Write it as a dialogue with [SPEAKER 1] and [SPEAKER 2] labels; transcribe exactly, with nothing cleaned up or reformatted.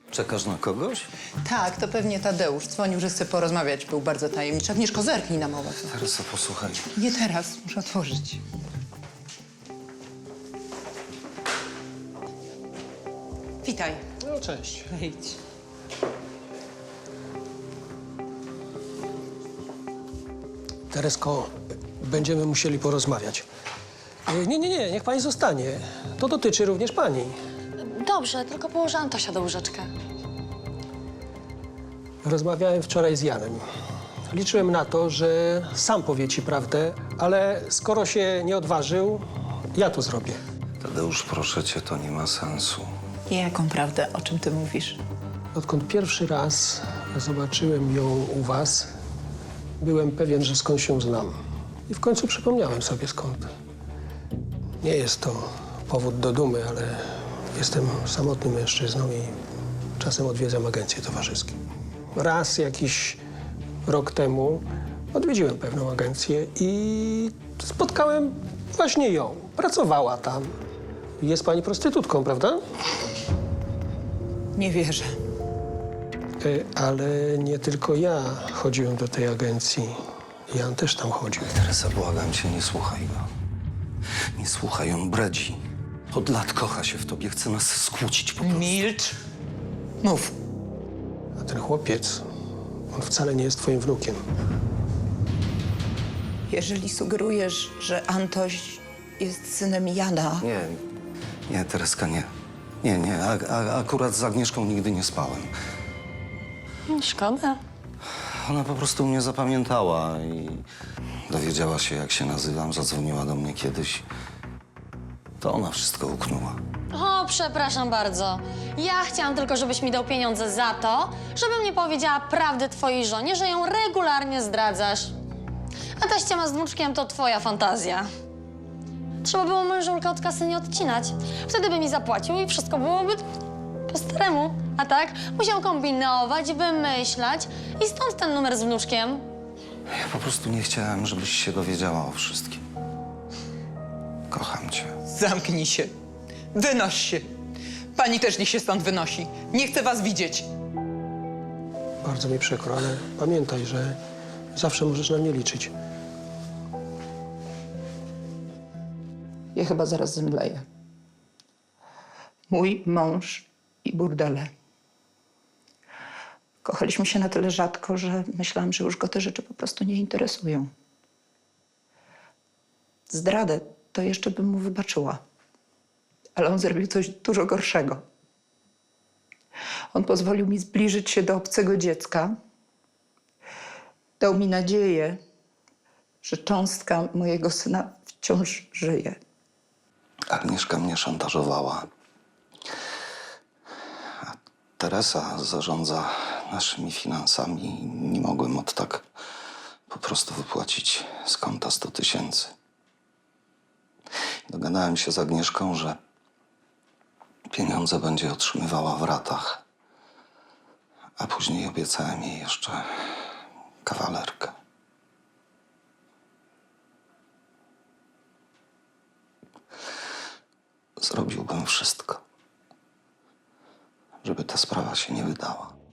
[SPEAKER 1] Czekasz na kogoś?
[SPEAKER 2] Tak, to pewnie Tadeusz. Dzwonił, że chce porozmawiać. Był bardzo tajemniczy. Agnieszko, zerknij na mowę.
[SPEAKER 1] Teresa, posłuchaj.
[SPEAKER 2] Nie teraz, muszę otworzyć. Witaj.
[SPEAKER 3] No, cześć.
[SPEAKER 2] Wejdź.
[SPEAKER 3] Teresko, będziemy musieli porozmawiać. E, Nie, nie, nie, niech pani zostanie. To dotyczy również pani.
[SPEAKER 4] Dobrze, tylko położę Antosia do łóżeczka.
[SPEAKER 3] Rozmawiałem wczoraj z Janem. Liczyłem na to, że sam powie ci prawdę, ale skoro się nie odważył, ja to zrobię.
[SPEAKER 1] Tadeusz, proszę cię, to nie ma sensu.
[SPEAKER 2] Jaką prawdę? O czym ty mówisz?
[SPEAKER 3] Odkąd pierwszy raz zobaczyłem ją u was, byłem pewien, że skąd się znam. I w końcu przypomniałem sobie skąd. Nie jest to powód do dumy, ale jestem samotnym mężczyzną i czasem odwiedzam agencje towarzyskie. Raz jakiś rok temu odwiedziłem pewną agencję i spotkałem właśnie ją. Pracowała tam. Jest pani prostytutką, prawda?
[SPEAKER 2] Nie wierzę.
[SPEAKER 3] E, Ale nie tylko ja chodziłem do tej agencji. Jan też tam chodził.
[SPEAKER 1] Teresa, błagam cię, nie słuchaj go. Nie słuchaj, on bredzi. Od lat kocha się w tobie, chce nas skłócić po prostu.
[SPEAKER 2] Milcz. Mów.
[SPEAKER 3] A ten chłopiec, on wcale nie jest twoim wnukiem.
[SPEAKER 2] Jeżeli sugerujesz, że Antoś jest synem Jana,
[SPEAKER 1] Nie, nie, Tereska, nie. Nie, nie, a, a, akurat z Agnieszką nigdy nie spałem.
[SPEAKER 4] Szkoda.
[SPEAKER 1] Ona po prostu mnie zapamiętała i dowiedziała się, jak się nazywam, zadzwoniła do mnie kiedyś. To ona wszystko uknęła.
[SPEAKER 4] O, przepraszam bardzo. Ja chciałam tylko, żebyś mi dał pieniądze za to, żebym nie powiedziała prawdy twojej żonie, że ją regularnie zdradzasz. A ta ściema z wnuczkiem to twoja fantazja. Trzeba było mężulka od kasy nie odcinać. Wtedy by mi zapłacił i wszystko byłoby po staremu. A tak musiał kombinować, wymyślać i stąd ten numer z wnuczkiem.
[SPEAKER 1] Ja po prostu nie chciałem, żebyś się dowiedziała o wszystkim. Kocham cię.
[SPEAKER 2] zamknij się. Wynoś się. Pani też niech się stąd wynosi. Nie chcę was widzieć.
[SPEAKER 3] Bardzo mi przykro, ale pamiętaj, że zawsze możesz na mnie liczyć.
[SPEAKER 2] Ja chyba zaraz zemdleję. Mój mąż i burdele. Kochaliśmy się na tyle rzadko, że myślałam, że już go te rzeczy po prostu nie interesują. Zdradę to jeszcze bym mu wybaczyła. Ale on zrobił coś dużo gorszego. On pozwolił mi zbliżyć się do obcego dziecka. Dał mi nadzieję, że cząstka mojego syna wciąż żyje.
[SPEAKER 1] Agnieszka mnie szantażowała. A Teresa zarządza naszymi finansami i nie mogłem od tak po prostu wypłacić z konta sto tysięcy. Dogadałem się z Agnieszką, że pieniądze będzie otrzymywała w ratach, a później obiecałem jej jeszcze kawalerkę. Zrobiłbym wszystko, żeby ta sprawa się nie wydała.